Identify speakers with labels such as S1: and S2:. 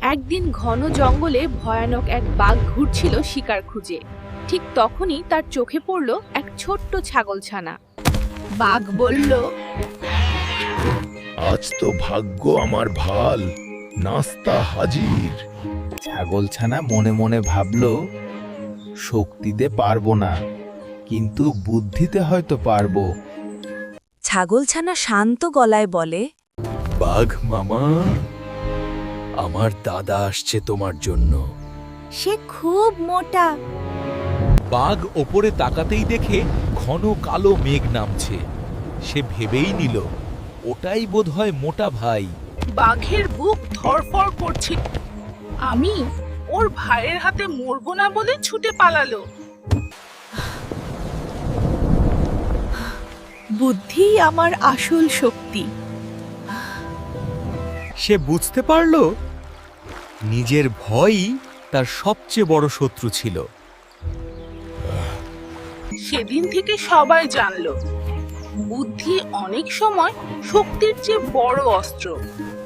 S1: একদিন ঘন জঙ্গলে ভয়ানক এক বাঘ ঘুরছিল শিকার খুঁজে। ঠিক তখনই তার চোখে পড়ল এক ছোট্ট ছাগলছানা। বাঘ বলল,
S2: আজ তো ভাগ্য আমার ভাল, নাস্তা হাজির।
S3: ছাগলছানা মনে মনে ভাবল, শক্তিতে পারবো না, কিন্তু বুদ্ধিতে হয়তো পারবো।
S4: ছাগলছানা শান্ত গলায় বলে,
S2: বাঘ মামা, আমার দাদা আসছে তোমার জন্য।
S4: সে খুব মোটা।
S5: বাঘ ওপরে তাকাতেই দেখে ঘন কালো মেঘ নামছে। সে ভেবেই নিল, ওটাই বোধহয় মোটা ভাই।
S6: বাঘের বুক ধড়ফড় করছিল। আমি ওর ভাইয়ের হাতে মরবো না বলে ছুটে পালালো।
S1: বুদ্ধি আমার আসল শক্তি।
S5: সে বুঝতে পারল নিজের ভয়ই তার সবচেয়ে বড় শত্রু ছিল।
S6: সেদিন থেকে সবাই জানলো, বুদ্ধি অনেক সময় শক্তির চেয়ে বড় অস্ত্র।